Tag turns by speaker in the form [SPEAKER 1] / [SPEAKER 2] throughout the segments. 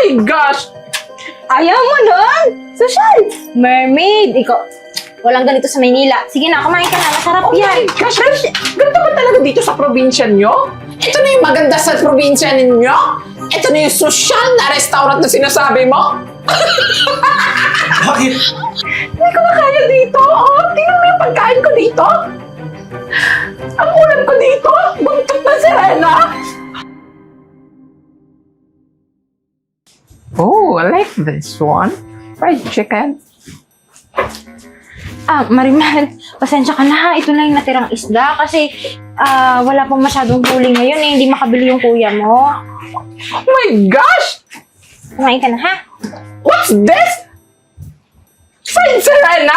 [SPEAKER 1] my gosh!
[SPEAKER 2] Ayaw mo nun? Social! Mermaid! Ikaw, walang ganito sa Maynila. Sige na, kumain ka na. Masarap
[SPEAKER 1] Oh
[SPEAKER 2] yan.
[SPEAKER 1] my gosh! Ganito ba talaga dito sa probinsya nyo? Ito na yung maganda sa probinsya ninyo? Ito na yung social na restaurant na sinasabi mo?
[SPEAKER 3] Bakit?
[SPEAKER 1] Hindi ko na kaya dito. Oh, tingnan mo yung pagkain ko dito. Ang ulam ko dito, buntot na sirena. Oh, I like this one. Fried chicken.
[SPEAKER 2] Marimar, pasensya ka na ha. Ito na yung natirang isda kasi wala pang masyadong huli ngayon eh. Hindi makabili yung kuya mo.
[SPEAKER 1] Oh my gosh!
[SPEAKER 2] Kumain ka na ha?
[SPEAKER 1] What's this? Fried sirena?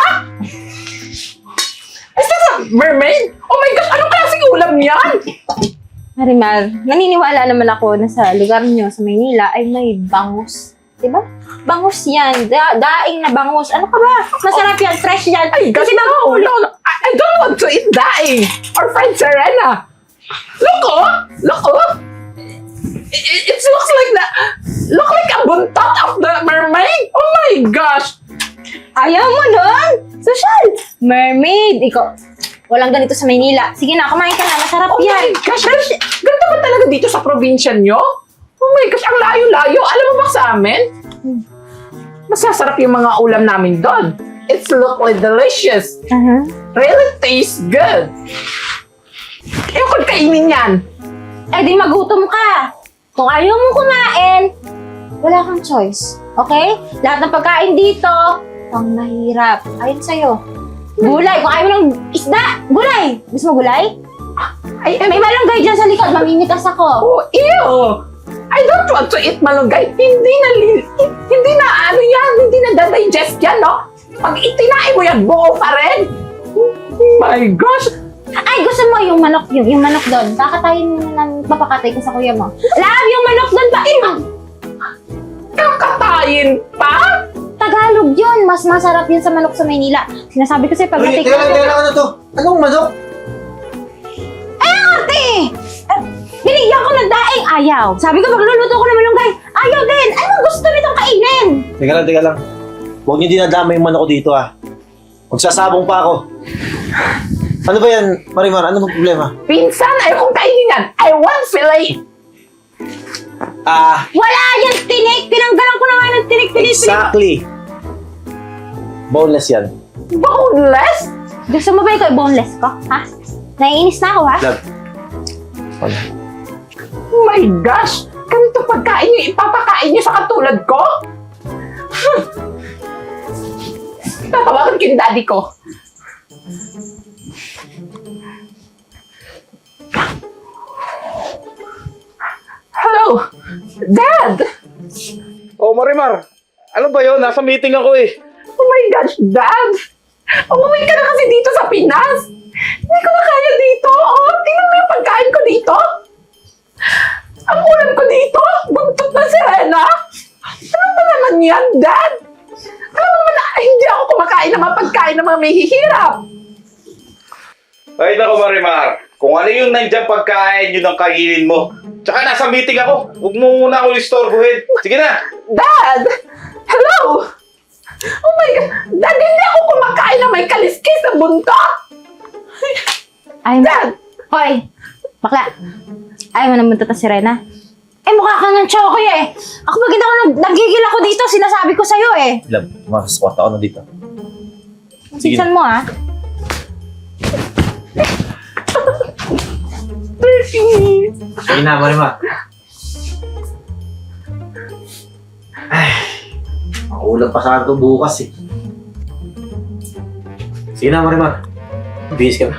[SPEAKER 1] Is this a mermaid? Oh my gosh, anong klaseng ulam yan?
[SPEAKER 2] Marimar, naniniwala naman ako na sa lugar nyo sa Maynila ay may bangus. Diba? Bangus yan. Daing na bangus. Ano ka ba? Masarap yan. Fresh yan.
[SPEAKER 1] Ay,
[SPEAKER 2] Kasi
[SPEAKER 1] no,
[SPEAKER 2] bago
[SPEAKER 1] no, no. I don't want to eat daing or fried sirena. Look, oh! Look, oh! It looks like a buntot of the mermaid. Oh my gosh!
[SPEAKER 2] Ayaw mo nun? Social! Mermaid! Ikaw, walang ganito sa Maynila. Sige na, kumain ka na. Masarap
[SPEAKER 1] Oh
[SPEAKER 2] yan.
[SPEAKER 1] my gosh! Ganito ba talaga dito sa probinsya nyo? Oh my gosh, ang layo-layo. Alam mo ba sa amin? Masasarap yung mga ulam namin doon. It's look like delicious. Really tastes good. Ayaw ko kainin yan.
[SPEAKER 2] Eh di magutom ka. Kung ayaw mong kumain, wala kang choice. Okay? Lahat ng pagkain dito, pang mahirap. Ayon sa'yo. Gulay. Kung ayaw mo ng isda, gulay. Gusto mo gulay?
[SPEAKER 1] Ay,
[SPEAKER 2] May malunggay dyan sa likod. Mamimitas ako.
[SPEAKER 1] oh, ew! I don't want to eat malunggay. Hindi na ano yan, hindi na da-digest yan, no? Pag itinain mo yan, buo pa rin. Oh my gosh!
[SPEAKER 2] Ay, gusto mo yung manok, yung manok doon. Kakatayin mo na ng papakatay ko sa kuya mo. Love, yung manok doon pa.
[SPEAKER 1] Kakatayin pa?
[SPEAKER 2] Tagalog yun. Mas masarap yun sa manok sa Maynila. Sinasabi ko sa'yo, pag natik
[SPEAKER 3] Teka lang, ano to? Anong manok?
[SPEAKER 2] ate! Binigyan ko ng daing. Ayaw. Sabi ko, magluluto ko ng malunggay. Ayaw din. Anong gusto nitong kainin?
[SPEAKER 3] Teka lang. Huwag niyo dinadama yung manok ko dito ah. Magsasabong pa ako. Ano ba yan, Marimar? Ano bang problema?
[SPEAKER 1] Pinsan, ayaw kong kainin yan. I want fillet.
[SPEAKER 2] Wala yan, tinik. Tinanggalan ko na nga ng tinik.
[SPEAKER 3] Exactly. Boneless yan.
[SPEAKER 1] Boneless?
[SPEAKER 2] Gusto mo ba ikaw boneless ko? Ha? Naiinis na ako, ha?
[SPEAKER 3] Love. Wala.
[SPEAKER 1] Oh my gosh! Ganito pagkain niyo, ipapakain niyo sa katulad ko? Tatawagan ko yung daddy ko. Hello? Dad!
[SPEAKER 4] Oh, Marimar. Ano ba yun? Nasa meeting ako eh.
[SPEAKER 1] Oh my gosh, Dad! Umuwi ka na kasi dito sa Pinas! Hindi ko na kaya dito! Oh, tingnan mo yung pagkain ko dito! Ang ulam ko dito! Buntot na sirena! Ano ba naman yan, Dad? Alam mo naman na hindi ako kumakain ng mga pagkain ng mga may hihirap!
[SPEAKER 4] Ay, nako Marimar. Kung ano yung nandiyan pagkain, yun ang kainin mo. Tsaka nasa meeting ako. Huwag mo muna ako istorbohin. Sige na.
[SPEAKER 1] Dad! Hello! Oh my God! Dad, hindi ako kumakain ng may kaliskis na buntot!
[SPEAKER 2] Ay,
[SPEAKER 1] Dad!
[SPEAKER 2] Hoy! Bakla! Ayaw mo naman si Rena? Eh, mukha ka ng chokoy eh! Ako pag hindi ako nagigil ako dito, sinasabi ko sa'yo eh!
[SPEAKER 3] Love, makasquat ako na dito. Sige
[SPEAKER 2] Sinsan mo ah?
[SPEAKER 3] Sige na, Marimar. Ay, makulang pa sana ito bukas eh. Sige na, Marimar. Bihis ka na.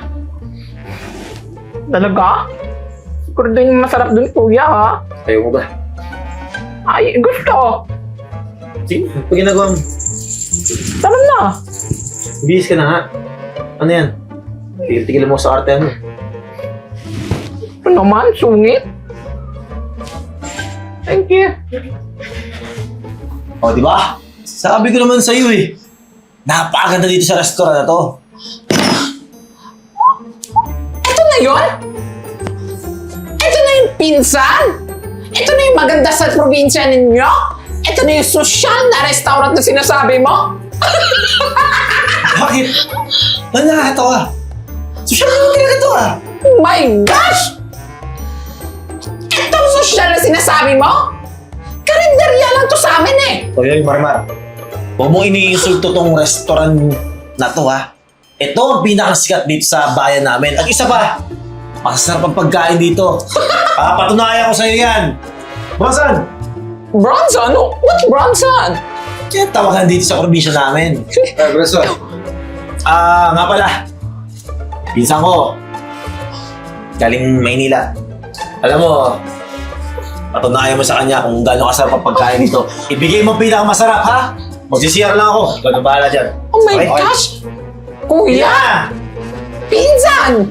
[SPEAKER 1] Talaga? Siguro doon yung masarap doon, kuya, ha?
[SPEAKER 3] Ayaw mo ba?
[SPEAKER 1] Ay, gusto!
[SPEAKER 3] Sige, pag ginagawa mo.
[SPEAKER 1] Tara na!
[SPEAKER 3] Bihis ka na nga. Ano yan? Tigil-tigil mo sa arte ano.
[SPEAKER 1] Ano naman, sungit? Thank you.
[SPEAKER 3] O, di ba? Sabi ko naman sa'yo eh. Napakaganda dito sa restaurant na to.
[SPEAKER 1] Ito na yun? Ito na yung pinsan? Ito na yung maganda sa probinsya ninyo? Ito na yung social na restaurant na sinasabi mo?
[SPEAKER 3] Bakit? Ba't nakakatawa? Social naman talaga to ah.
[SPEAKER 1] My gosh! Itong social na sinasabi mo? Karinderya lang to sa amin eh.
[SPEAKER 3] Oy, Marimar. Huwag mong iniinsulto tong restaurant na to ha. Ito ang pinakasikat dito sa bayan namin. At isa pa, masasarap ang pagkain dito. Patunayan ko sa'yo yan. Bronson!
[SPEAKER 1] Bronson? What's Bronson?
[SPEAKER 3] Kaya tawagan dito sa probinsya namin.
[SPEAKER 4] Bronson.
[SPEAKER 3] Nga pala. Pinsan ko. Galing Maynila. Alam mo, patunayan mo sa kanya kung gaano kasarap ang pagkain dito. Ibigay mo ang pinakamasarap ha. Magsisiyar lang ako. Ikaw na bahala dyan.
[SPEAKER 1] Oh my
[SPEAKER 3] Okay?
[SPEAKER 1] gosh! Kuya!
[SPEAKER 3] Yeah!
[SPEAKER 1] Pinsan!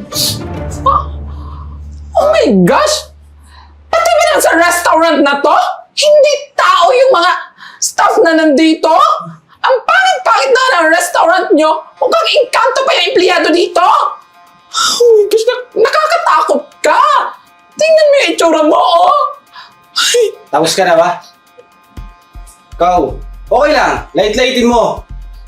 [SPEAKER 1] Oh my gosh! Pati ba lang sa restaurant na to? Hindi tao yung mga staff na nandito? Ang pangit-pangit na ng restaurant nyo. Mukhang engkanto pa yung empleyado dito. Oh my gosh, nakakatakot ka. Tingnan mo yung itsura mo, oh. Ay,
[SPEAKER 5] Tapos ka na ba? Ikaw, okay lang. Light-lightin mo.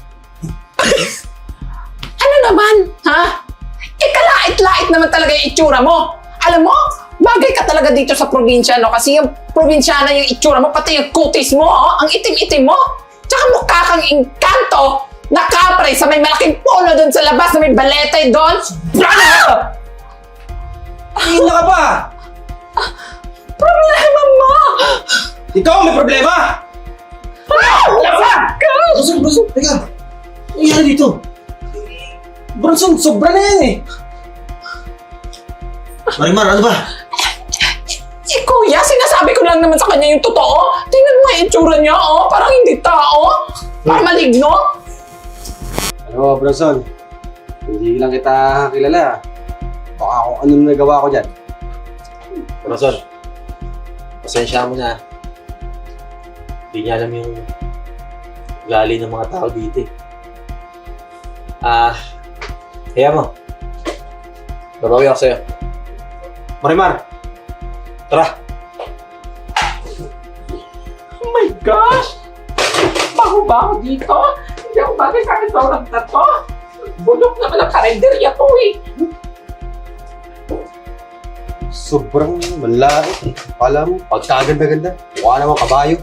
[SPEAKER 1] ano naman, ha? Kalait-lait naman talaga yung itsura mo. Alam mo, bagay ka talaga dito sa probinsya, no? Kasi yung probinsyana yung itsura mo, pati yung kutis mo, oh, ang itim-itim mo. Tsaka mukha kang engkanto na kapre sa may malaking polo doon sa labas na may balete doon.
[SPEAKER 5] Hihina ka pa.
[SPEAKER 1] Problema mo!
[SPEAKER 5] Ikaw may problema. Bronson, teka. Ano nangyari dito? Bronson, sobra na yan eh.
[SPEAKER 3] Marimar, ano ba?
[SPEAKER 1] Si Kuya, sinasabi ko lang naman sa kanya yung totoo. Tingnan mo yung itsura niya, oh. Parang hindi tao. Parang maligno.
[SPEAKER 5] Ano, Bronson? Hindi lang kita kilala. Baka kung anong nagawa ko dyan.
[SPEAKER 3] Bronson, pasensya mo na. Hindi niya alam yung ugali ng mga tao dito eh. Kaya mo. Babawi ako sa'yo. Marimar! Tara!
[SPEAKER 1] Oh my gosh! Bago-bago dito. Hindi ako bagay sa restaurant na to. Bulok naman ang karinderya to eh.
[SPEAKER 5] Sobrang malaki. Akala mo, pagkaganda-ganda. Mukha naman kabayo.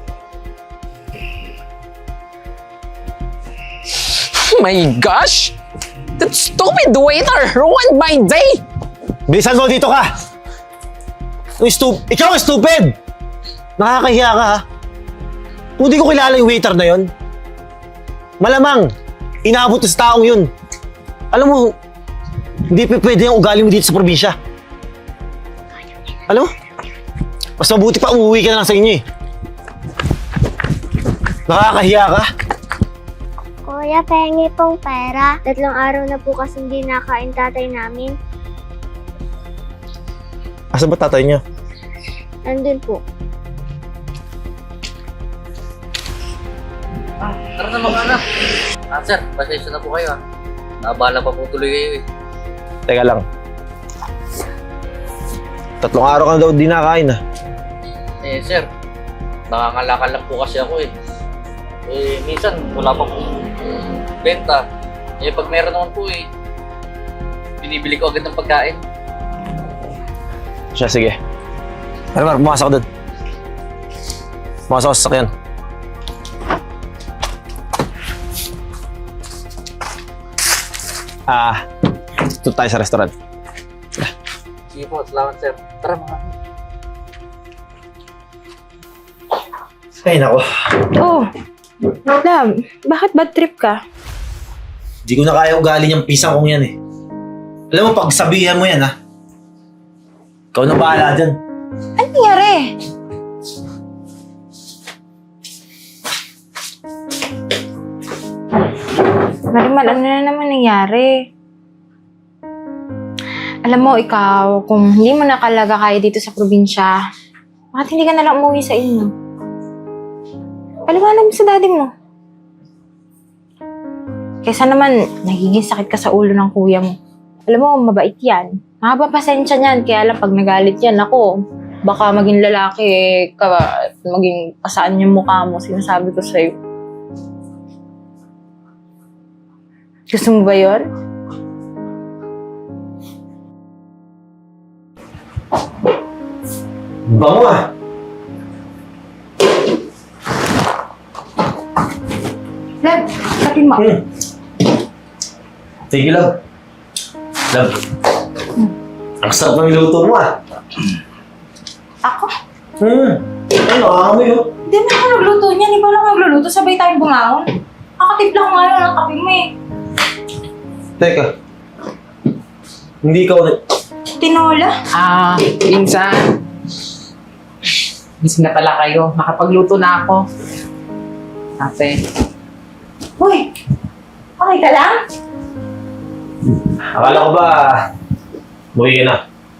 [SPEAKER 1] Oh my gosh! That stupid waiter ruined my day!
[SPEAKER 3] Bilisan mo dito ka! Ikaw ang stupid! Nakakahiya ka ha? Kung di ko kilala yung waiter na yon, malamang inaabot sa taong yun. Alam mo, hindi pwede yung ugali mo dito sa probinsya. Alam mo, mas mabuti pa umuwi ka na lang sa inyo eh. Nakakahiya ka?
[SPEAKER 6] Kuya, pahingi pong pera. 3 araw na po kasi hindi nakain tatay namin.
[SPEAKER 3] Asa ba tatay niya?
[SPEAKER 6] Nandun po.
[SPEAKER 7] Tara na mga anak. Sir, pasensya na po kayo ah. Naabala pa po tuloy kayo eh.
[SPEAKER 3] Teka lang. 3 araw ka na daw di nakain ah.
[SPEAKER 7] Eh sir, nangangalakal lang po kasi ako eh. Eh minsan wala pa pong benta. Eh pag meron naman po eh, binibili ko agad ng pagkain.
[SPEAKER 3] Siya, sige. Marimar, pumasok ka doon. Pumasok ka sa sakyan. Ito tayo sa restaurant.
[SPEAKER 7] Sige po, salamat sir. Tara mga anak.
[SPEAKER 3] Ay, nako.
[SPEAKER 8] Oh, love, bakit bad trip ka?
[SPEAKER 3] Di ko na kaya ugali niyang pisang kong yan eh. Alam mo, pagsabihan mo yan ha. Ikaw na bahala dyan.
[SPEAKER 8] Ano nangyari? Marimal, ano na naman nangyari? Alam mo, ikaw, kung hindi mo nakalaga kaya dito sa probinsya, bakit hindi ka nalang umuwi sa inyo? Paliwanag mo sa daddy mo. Kesa naman, nagiging sakit ka sa ulo ng kuya mo. Alam mo, mabait yan. Makapapasensya niyan, kaya lang pag nagalit yan, ako, baka maging lalaki maging pasaan yung mukha mo, sinasabi ko sa'yo. Gusto mo ba yun?
[SPEAKER 3] Bango ah!
[SPEAKER 8] Lab, sakin mo.
[SPEAKER 3] Thank you, love. Love. Ang sarap ng luto mo ah.
[SPEAKER 8] Ako?
[SPEAKER 3] Ay, nakakamoy oh.
[SPEAKER 8] Hindi na ako nagluto niyan. Ikaw lang nagluluto. Sabay tayong bumangon. Nakatimpla ko nga lang ng kape mo eh.
[SPEAKER 3] Teka. Hindi ikaw
[SPEAKER 8] Tinola?
[SPEAKER 1] Pinsan. Busy na pala kayo. Nakapagluto na ako. Ate.
[SPEAKER 8] Uy! Okay ka lang?
[SPEAKER 3] Akala ko ba, buhay ka na.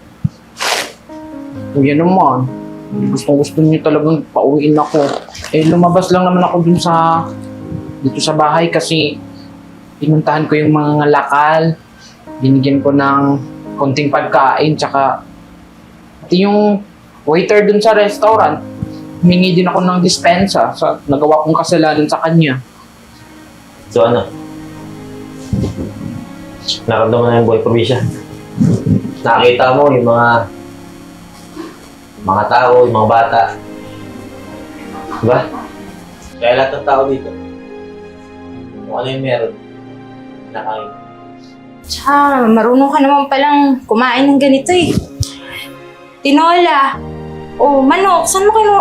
[SPEAKER 1] Kuya naman. Gusto niyo talagang pauwiin ako. Lumabas lang naman ako dito sa bahay kasi pinuntahan ko yung mga lakal. Binigyan ko ng konting pagkain, tsaka pati yung waiter dun sa restaurant, humingi din ako ng dispensa sa nagawa kong kasalanan sa kanya.
[SPEAKER 3] So ano? Naramdaman na yung buhay probinsya. Nakita mo yung mga tao, yung mga bata. Diba? Kaya lahat ng tao dito, kung ano yung meron, nakain.
[SPEAKER 8] Tsaka, marunong ka naman palang kumain ng ganito eh. Tinola. Oh, manok. Saan mo kayo?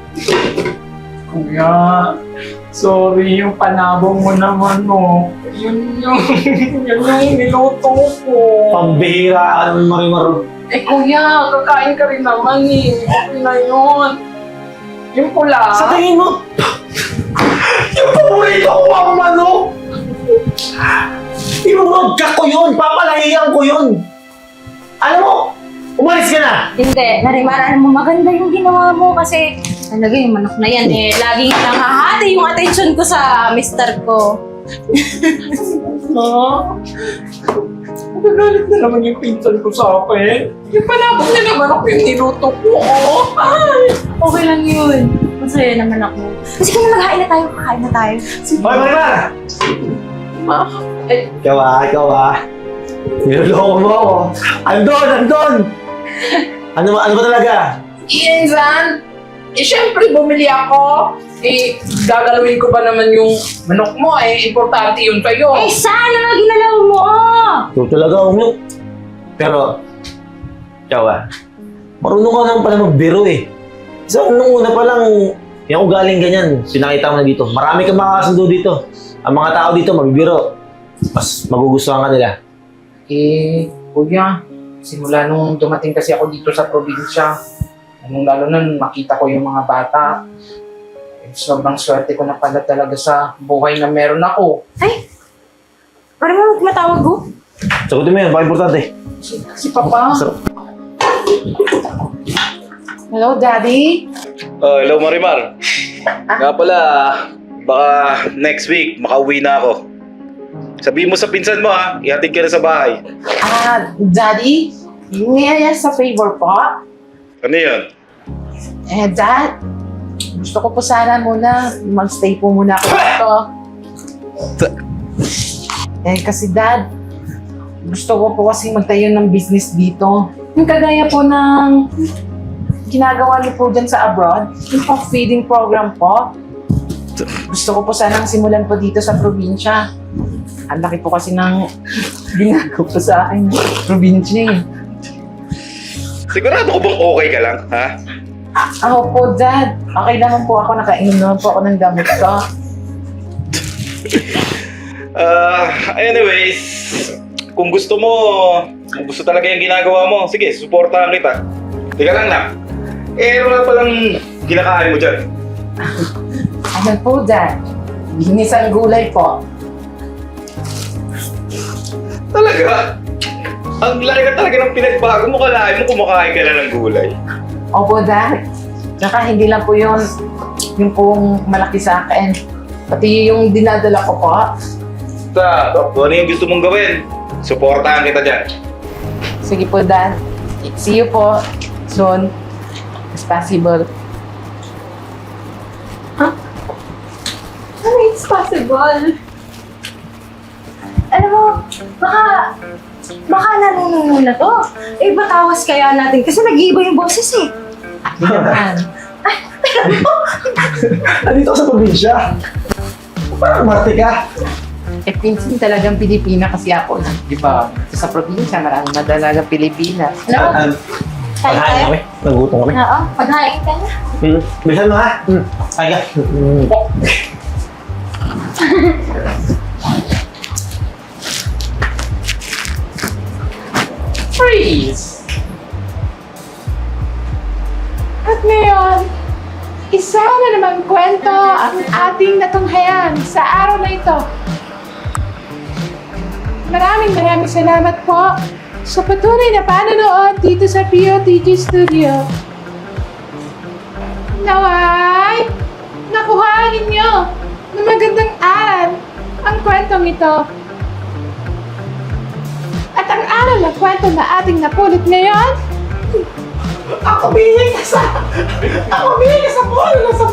[SPEAKER 1] Kuya, sorry yung panabong mo naman, no. Yun yung niluto ko.
[SPEAKER 3] Pambihira ka naman, Marimar.
[SPEAKER 1] Kuya, kakain ka rin naman eh. Okay na yun. Yung pula.
[SPEAKER 3] Sa tingin mo, yung paborito ko ang manok! Irurugka ko yun! Papalahiyan ko yun! Alam mo, umalis ka na!
[SPEAKER 8] Hindi. Marimar, alam mo, maganda yung ginawa mo kasi talaga yung manok na yan eh. Laging nakahati yung attention ko sa mister ko.
[SPEAKER 1] Magagalit na naman yung pinsan ko sa akin. Yung panabong na naman ako yung niluto ko. Ay!
[SPEAKER 8] Okay lang yun. Masaya naman ako. Kasi kung maghain na tayo, kakain na tayo.
[SPEAKER 3] Hoy, Marimar! Ikaw ah. Niloloko mo ako. Andon! Ano ba talaga?
[SPEAKER 1] Insan, syempre bumili ako. Gagalawin ko ba naman yung manok mo? Importante yun sa'yo.
[SPEAKER 8] Sana nga ginalaw mo!
[SPEAKER 3] Ito talaga, umyo. Pero, ikaw ah. Marunong ka naman pala magbiro eh. So, nung una pa lang, yung ugaling ganyan, pinakita mo na dito. Marami kang makakasundo dito. Ang mga tao dito magbibiro. Mas magugustuhan ka nila.
[SPEAKER 1] Kuya, simula nung dumating kasi ako dito sa probinsya, lalo na makita ko yung mga bata, sobrang swerte ko na pala talaga sa buhay na meron ako.
[SPEAKER 8] Ay! Parang mo matawag ko?
[SPEAKER 3] Sagutin mo yun, baka importante.
[SPEAKER 1] Si Papa. Hello, Daddy.
[SPEAKER 4] Hello, Marimar. Nga pala, baka next week makauwi na ako. Sabihin mo sa pinsan mo ha, ihatid ka na sa bahay.
[SPEAKER 1] Daddy, may sa favor po.
[SPEAKER 4] Ano yun?
[SPEAKER 1] Dad, gusto ko po sana muna magstay po muna ako dito. Kasi Dad, gusto ko po kasi magtayo ng business dito. Yung kagaya po ng ginagawa niyo po dyan sa abroad, yung feeding program po. Gusto ko po sanang simulan po dito sa probinsya. Ang laki po kasi ng ginagawa po sa akin, probinsya eh.
[SPEAKER 4] Sigurado ko bang okay ka lang, ha?
[SPEAKER 1] Ako po, Dad. Okay naman po ako. Nakainom naman po ako ng gamot ko.
[SPEAKER 4] Anyways, kung gusto talaga yung ginagawa mo, sige, suportahan kita. Teka lang na. Ano nga palang kinakain mo dyan?
[SPEAKER 1] Ano po, Dad? Ginisang gulay po.
[SPEAKER 4] Talaga? Ang laki ka talaga ng pinagbago mo. Kalahin mo kumakain ka lang ng gulay.
[SPEAKER 1] Opo, Dad. Tsaka hindi lang po yun yung pong malaki sa akin. Pati yung dinadala ko po.
[SPEAKER 4] Kung ano yung gusto mong gawin, suportahan kita dyan.
[SPEAKER 1] Sige po, Dad. See you po soon. as possible. Huh? Ano it's possible?
[SPEAKER 8] Alam mo, baka nanununo na to. Eh, batawas kaya natin kasi nag-iiba yung boses eh.
[SPEAKER 1] Naman.
[SPEAKER 3] Nandito ka sa probinsya. Parang marte ka.
[SPEAKER 1] Eh, pinsan talagang Pilipina kasi ako. Di ba? Sa probinsya, marami na talagang Pilipinas.
[SPEAKER 8] Alam mo,
[SPEAKER 3] Paghain kami. Nagutom kami.
[SPEAKER 8] oo, paghain ka na.
[SPEAKER 3] Bilisan mo ha. Ay ka.
[SPEAKER 1] Freeze! At ngayon, isa na naman kwento ang ating natunghayan sa araw na ito. Maraming salamat po sa patuloy na panonood dito sa POTG Studio. Naway, nakuhaan ninyo na magandang aral ang kwentong ito. At ang aral na kwento na ating napulot ngayon, ako bihig ka sa puno na sa